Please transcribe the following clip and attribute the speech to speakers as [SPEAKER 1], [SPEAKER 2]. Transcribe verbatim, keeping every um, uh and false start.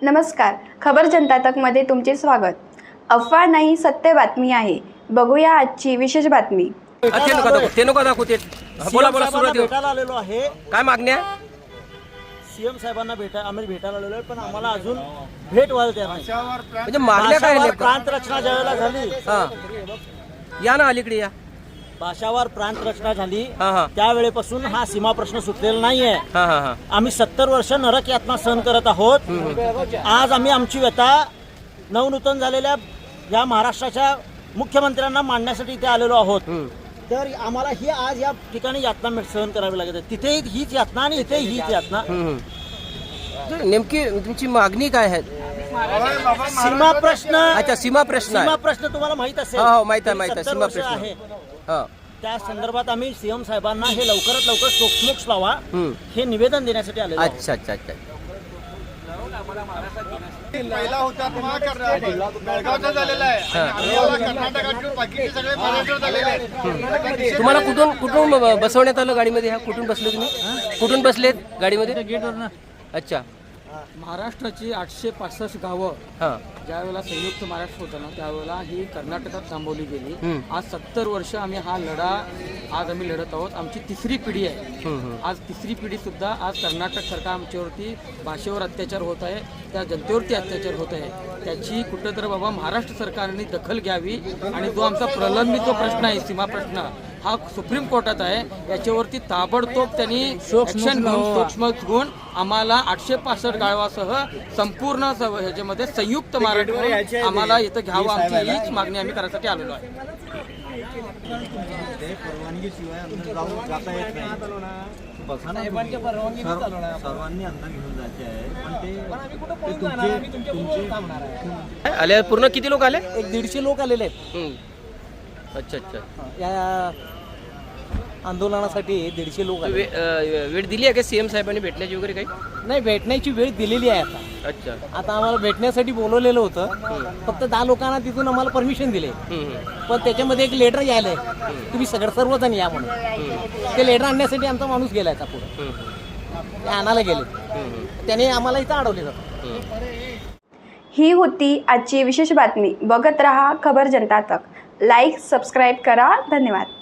[SPEAKER 1] नमस्कार, खबर जनता तकमध्ये तुमचे स्वागत। अफवा नाही, सत्य बातमी आहे। बघूया आजची विशेष बातमी।
[SPEAKER 2] ते नको दाखवू, ते नको दाखवू ते बोला बोला सुरुवात
[SPEAKER 3] भेटायला आलेलो आहे।
[SPEAKER 2] काय मागण्या?
[SPEAKER 3] सीएम साहेबांना भेटा आम्ही भेटायला आलेलो आहे, पण आम्हाला अजून भेट व्हायला तयार नाही।
[SPEAKER 2] म्हणजे मागण्या काय
[SPEAKER 3] भाषावार
[SPEAKER 2] नेमकं?
[SPEAKER 3] प्रांत रचना ज्यावेळेला झाली,
[SPEAKER 2] हा या ना अलीकडे या।
[SPEAKER 3] भाषावार प्रांत रचना झाली
[SPEAKER 2] हा हा
[SPEAKER 3] त्यावेळेपासून हा सीमा प्रश्न सुटलेला नाहीये।
[SPEAKER 2] हा हा हा
[SPEAKER 3] आम्ही सत्तर वर्ष नरक यातना सहन करत आहोत। आज आम्ही आमची व्यथा नवनूतन झालेल्या या महाराष्ट्राच्या मुख्यमंत्र्यांना मांडण्यासाठी इथे आलेलो आहोत। तर आम्हाला ही आज या ठिकाणी यातना सहन करावी लागत आहे। तिथे हीच यातना आणि इथे हीच यातना।
[SPEAKER 2] नेमकी तुमची मागणी काय आहे?
[SPEAKER 3] सीमा प्रश्न।
[SPEAKER 2] अच्छा, सीमा प्रश्न आहे।
[SPEAKER 3] सीमा प्रश्न तुम्हाला माहित असेल।
[SPEAKER 2] हो हो माहित आहे, माहित आहे,
[SPEAKER 3] सत्तर
[SPEAKER 2] सीमा
[SPEAKER 3] वर्ष
[SPEAKER 2] प्रश्न
[SPEAKER 3] आहे।
[SPEAKER 2] हा
[SPEAKER 3] त्या संदर्भात आम्ही सीएम साहेबांना हे लवकरात लवकर सोक्ष लावा
[SPEAKER 2] हम्म.
[SPEAKER 3] हे निवेदन देण्यासाठी आलेलो आहोत।
[SPEAKER 2] अच्छा अच्छा अच्छा
[SPEAKER 4] पहिला होता बेळगावचा झालेला आहे आणि आम्हाला कर्नाटकात बाकीचे सगळे महाराष्ट्रात झालेले आहेत।
[SPEAKER 2] तुम्हाला कुठून कुठून बसवण्यात आलं गाडीमध्ये? ह्या कुठून बसले तुम्ही? कुठून बसलेत गाडीमध्ये?
[SPEAKER 5] गेटवर
[SPEAKER 2] अच्छा,
[SPEAKER 5] महाराष्ट्राची आठशे पासष्ट गावं
[SPEAKER 2] हा
[SPEAKER 5] ज्यावेळेला संयुक्त महाराष्ट्र होतं ना त्यावेळेला ही कर्नाटकात थांबवली गेली।
[SPEAKER 2] हम्म.
[SPEAKER 5] आज सत्तर वर्ष आम्ही हा लढा आज आम्ही लढत आहोत। आमची तिसरी पिढी आहे।
[SPEAKER 2] हम्म, हम्म.
[SPEAKER 5] आज तिसरी पिढी सुद्धा आज कर्नाटक सरकार आमच्यावरती भाषेवर अत्याचार होत आहे, त्या जनतेवरती अत्याचार होत आहे। त्याची कुठंतरी बाबा महाराष्ट्र सरकारने दखल घ्यावी आणि जो आमचा प्रलंबित जो प्रश्न आहे सीमा प्रश्न हा सुप्रीम कोर्टात आहे, याच्यावरती ताबडतोब त्यांनी ऍक्शन घेऊन सूक्ष्म घेऊन आम्हाला आठशे पासष्ट गावासह संपूर्ण स- ह्याच्यामध्ये संयुक्त महाराष्ट्र आम्हाला इथं घ्यावं, आमची हीच मागणी आम्ही करायसाठी आलेलो आहे।
[SPEAKER 3] सर्वांनी अंतर घेऊन जायचे आहे, पण ते
[SPEAKER 2] आले पूर्ण किती लोक आले?
[SPEAKER 3] एक दीडशे लोक आलेले आहेत
[SPEAKER 2] हम्म. अच्छा अच्छा
[SPEAKER 3] या आंदोलनासाठी। दीडशे लोक आले।
[SPEAKER 2] वे- अं, वेळ दिली आहे का सीएम साहेबांनी भेटण्याची वगैरे काही?
[SPEAKER 3] नाही, भेटण्याची वेळ दिलेली आहे आता।
[SPEAKER 2] अच्छा
[SPEAKER 3] आता आम्हाला भेटण्यासाठी बोलवलेलं होतं, फक्त दहा लोकांना तिथून आम्हाला परमिशन दिले,
[SPEAKER 2] हम्म, हम्म.
[SPEAKER 3] पण त्याच्यामध्ये एक लेटर यायलंय तुम्ही सगळं सर्वजण या म्हणून। ते लेटर आणण्यासाठी आमचा माणूस गेलाय आता पुढे,
[SPEAKER 2] हम्म,
[SPEAKER 3] ते आणायला गेले,
[SPEAKER 2] हम्म.
[SPEAKER 3] त्याने आम्हाला इथं अडवले जातं।
[SPEAKER 1] ही होती आजची विशेष बातमी। बघत रहा खबर जनता तक। लाईक, सबस्क्राईब करा। धन्यवाद।